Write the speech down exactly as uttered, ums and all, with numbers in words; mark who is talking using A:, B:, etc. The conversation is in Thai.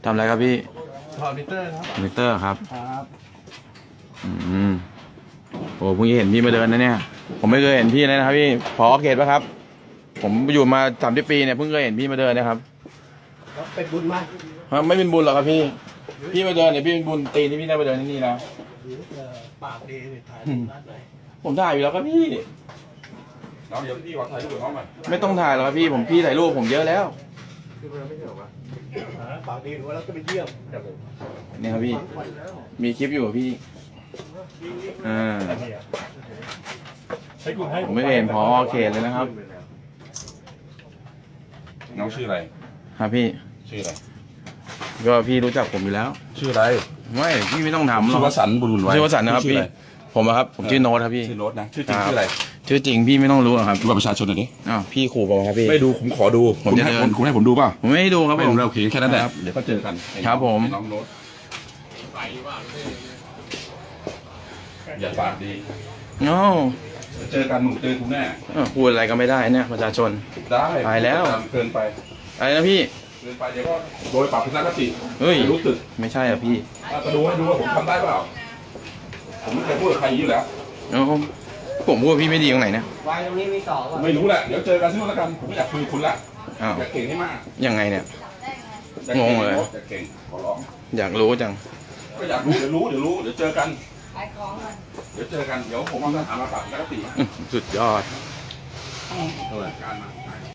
A: ทำอะไรครับพี่
B: ถอดมิเตอร์ครับ
A: มิเตอร์ครับ
B: ครับ
A: อืมโอ้เพิ่งเห็นพี่มาเดินนะเนี่ยผมไม่เคยเห็นพี่เลยนะครับพี่พอเขตปะครับผมอยู่มาสามสิบปีเนี่ยเพิ่งเคยเห็นพี่มาเดินนะครับ
B: เป็นบุญไหม
A: ไม่เป็นบุญหรอกครับพี่พี่มาเดินเนี่ยพี่เป็นบุญตีนที่พี่ได้มาเดินที่นี่แล้ว
B: ปากดีถ่ายร้านไหน
A: ผมถ่ายอยู่แล้วครับพี่
C: น้องเดี๋ยวพี่ขอถ่ายรูปกับน้องหน่อย
A: ไม่ต้องถ่ายหรอกครับพี่ผมพี่ถ่ายรูปผมเยอะแล้ว
B: ปากดีหรือว่าเราจะไปเยี่ยม
A: นี่ครับพี่มีคลิปอยู่พี่อ่าผมไม่เห็นพอเขตเลยนะครับ
C: น้องชื่ออะไร
A: ครับพี่
C: ชื่ออะไร
A: ก็พี่รู้จักผมอยู่แล้ว
C: ชื่ออะไร
A: ไม่พี่ไม่ต้องถามหรอก
C: ชื่อวสันต์บุญบุญไว้
A: ชื่อวสันต์นะครับพี่ผมครับผมชื่อโน้ตครับพี่
C: ชื่อโน้ตนะชื่อจริงชื่ออะไร
A: ชื่อจริงพี่ไม่ต้องรู้ครับ
C: ดูบัตรประชาชนหน่อยดิ
A: อ้าวพี่ขู่ผมครับพี่
C: ไม่ดูผมขอดู
A: ผมจะเดิน
C: คุณให้ผมดูเปล่า
A: ผมไม่ให้ดูครับ
C: ผมเราเขียนแค่นั้นแหละเดี๋ยวก็เจอกัน
A: ครับผม
C: น้องโน้ตอย่าปากดี
A: โอ้
C: เจอกันหนูเจอคุณแน่
A: พูดอะไรก็ไม่ได้เนี่ยประชาชน
C: ได้
A: ไปแล้ว
C: เกินไป
A: อะไรนะพี่
C: เกินไปเดี๋ยวก็โดยปรับทัศนคติ
A: เฮ้ย
C: รู้สึก
A: ไม่ใช่อ่ะพี่
C: จะดูให้ดูว่าผมทำได้เปล่าผมไม่เคยพูดกับใครอย่างนี้แล้ว
A: ผมพูดพี่ไม่ดีตรงไหนนะ
B: วายตรงนี้มีสอง
C: ไม่รู้แหละเดี๋ยวเจอกันที่นู่นแล้วกันผมไม่อยากคุยกับคุณละอยากเก่งให้มาก
A: ยังไงเนี่ยงงเลย
C: อยากเก่งขอร้อง
A: อยากรู้จัง
C: ก็อยากรู้เดี๋ยวรู้เดี๋ยวรู้เดี๋ยวเจอกันเดี๋ยวเจอกันเดี๋ยวผมเอาทหารมาปรับทัศนคติ
A: สุดยอด
C: การมา